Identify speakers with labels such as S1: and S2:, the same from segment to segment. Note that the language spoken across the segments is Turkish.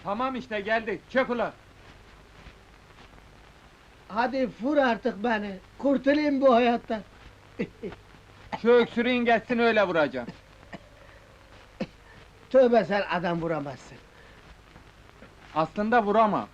S1: Tamam işte geldik, çök ulan!
S2: Hadi vur artık beni, kurtulayım bu hayattan.
S1: Şu öksürüğün geçsin öyle vuracağım.
S2: Tövbe, sen adam vuramazsın.
S1: Aslında vuramam.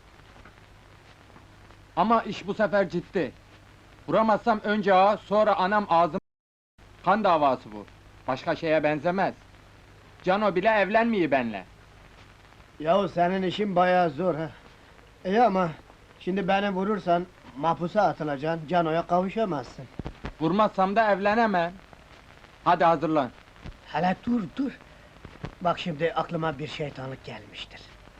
S1: Ama iş bu sefer ciddi. Vuramazsam önce ağa, sonra anam ağzım... Kan davası bu. Başka şeye benzemez. Cano bile evlenmiyor benle.
S2: Yahu senin işin bayağı zor ha. İyi ama şimdi beni vurursan mahpusa atılacaksın, Cano'ya kavuşamazsın.
S1: Vurmazsam da evlenemem. Hadi hazırlan.
S2: Hele dur dur. Bak şimdi aklıma bir şeytanlık gelmiştir.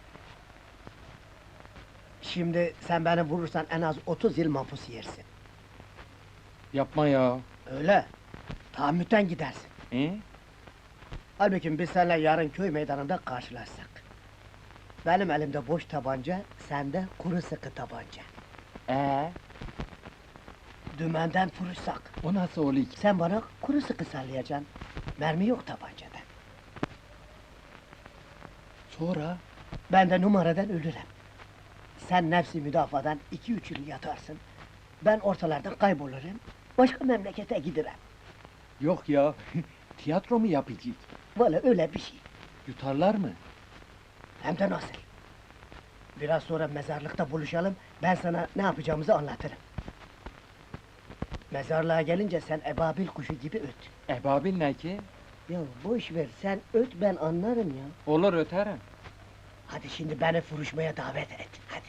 S2: Şimdi sen beni vurursan en az 30 yıl mahpus yersin.
S1: Yapma ya.
S2: Öyle. Tahammüten gidersin. Halbuki biz seninle yarın köy meydanında karşılaşsak. Benim elimde boş tabanca, sende kuru sıkı tabanca. Dümenden vuruşsak,
S1: O nasıl oluyor ki?
S2: sen bana kuru sıkı sallayacaksın. Mermi yok tabancada.
S1: Sonra?
S2: Ben de numaradan ölürüm. Sen nefsi müdafadan 2-3 yıl yatarsın. Ben ortalardan kaybolurum, başka memlekete giderim.
S1: Yok ya, tiyatro mu yapacağız?
S2: Valla öyle bir şey.
S1: Yutarlar mı?
S2: Hem de nasıl? Biraz sonra mezarlıkta buluşalım, ben sana ne yapacağımızı anlatırım. Mezarlığa gelince sen ebabil kuşu gibi öt.
S1: Ebabil ne ki?
S2: Ya boş ver, sen öt, ben anlarım ya.
S1: Olur öterim.
S2: Hadi şimdi beni vuruşmaya davet et, hadi.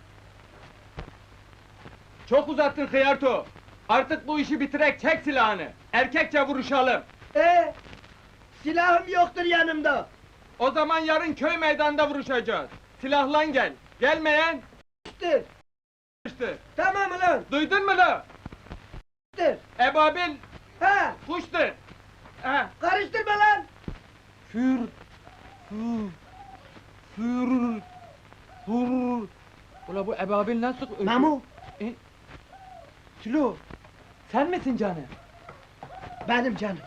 S1: Çok uzattın Hıyarto! Artık bu işi bitirek, çek silahını! Erkekçe vuruşalım!
S2: Silahım yoktur yanımda.
S1: O zaman yarın köy meydanında vuruşacağız! Silahlan gel! Gelmeyen...
S2: İşte,
S1: ...işte!
S2: tamam ulan,
S1: Duydun mu la?
S2: işte.
S1: Ebabil...
S2: Ha,
S1: ...kuştur! Ha!
S2: karıştırma lan!
S1: Für... Für... Für... Für... Ula bu ebabil nasıl...
S2: Memo,
S1: Sülo! Sen misin canım?
S2: benim canım.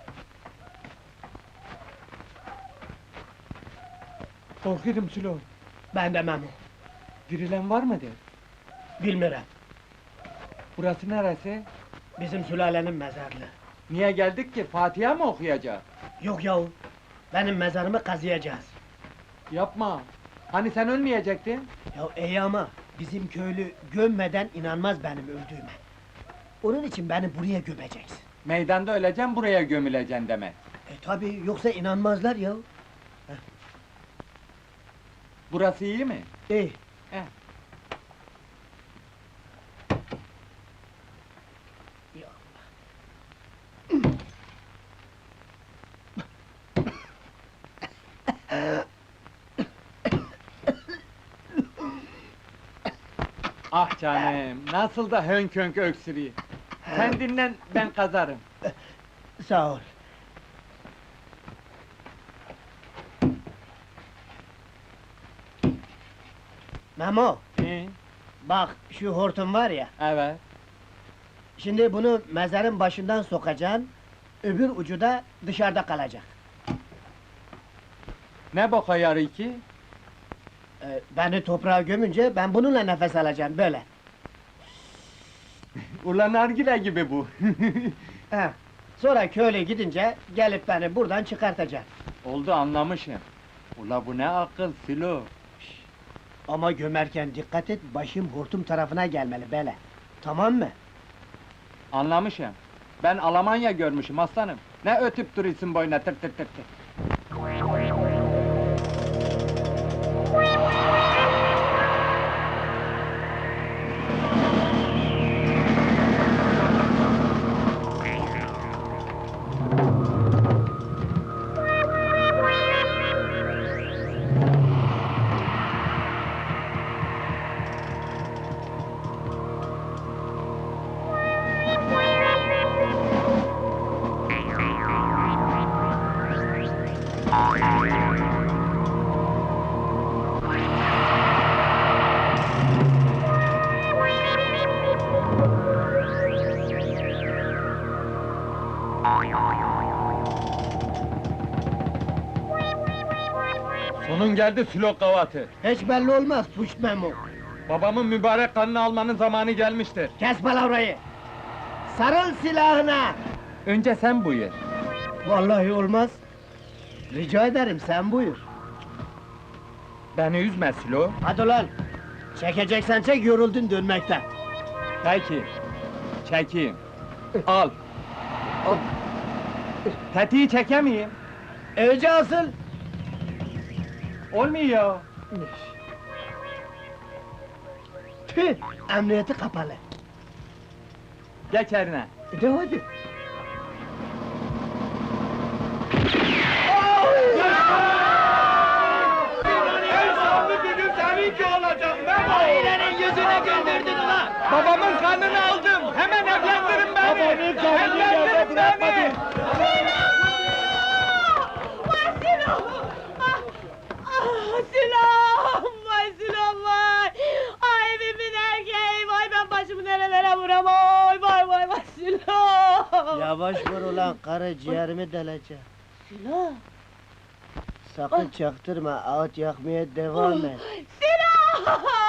S1: Korkuyorum Sülo!
S2: Ben de Memo.
S1: Dirilen var mıdır?
S2: Bilmirem,
S1: Burası neresi?
S2: bizim sülalenin mezarlığı.
S1: Niye geldik ki? Fatiha mı okuyacağız?
S2: Yok yahu, benim mezarımı kazıyacağız.
S1: Yapma! Hani sen ölmeyecektin?
S2: Ya iyi ama, bizim köylü gömmeden inanmaz benim öldüğüme. Onun için beni buraya gömeceksin.
S1: Meydanda öleceksin, buraya gömüleceksin demek.
S2: Tabi, yoksa inanmazlar ya.
S1: Burası iyi mi?
S2: İyi.
S1: He.
S2: Ya.
S1: Ah canım, nasıl da hönk hönk öksürüyor. Sen dinlen, ben kazarım.
S2: Sağ ol. Memo, bak şu hortum var ya,
S1: Evet.
S2: şimdi bunu mezarın başından sokacaksın, öbür ucu da dışarıda kalacak.
S1: Ne boka yarı ki?
S2: Beni toprağa gömünce ben bununla nefes alacağım, böyle.
S1: Ulan nargile gibi bu.
S2: He. Sonra köyle gidince gelip beni buradan çıkartacaksın.
S1: Oldu anlamışım. Ula bu ne akıl Filo.
S2: Ama gömerken dikkat et, başım hortum tarafına gelmeli, böyle. Tamam mı?
S1: Anlamışım. Ben Almanya görmüşüm aslanım. Ne ötüp duruyorsun boyuna tır tır tır tır. Sonun geldi Sülok Gavatı.
S2: Hiç belli olmaz puş Memo.
S1: Babamın mübarek kanını almanın zamanı gelmiştir.
S2: Kes palavrayı! Sarıl silahına!
S1: Önce sen buyur.
S2: Vallahi olmaz. Rica ederim, sen buyur.
S1: Beni üzme Sülo.
S2: Hadi ulan! Çekeceksen çek, yoruldun dönmekten.
S1: Peki. Çekeyim. Al. Tetiği çekemeyim.
S2: Önce asıl!
S1: Olmuyor.
S2: Tüh! Emniyeti kapalı.
S1: Geç eline.
S2: De hadi! Ailenin yüzüne güldürdün ulan!
S1: Babamın kanını aldım. Hemen evlendirin beni.
S2: Babanın kanını
S1: Evlendirin
S2: yerde bırakmadın.
S3: Vay Sinan! Sinan! Vay Sinan vay! Ay evimin erkeği! Vay ben başımı nerelere vuram! Vay Sinan!
S2: Yavaş vur ulan, karı ciğerimi deleceğim.
S3: Sinan!
S2: Sakın çaktırma, ağıt yakmaya devam et.
S3: Sinan!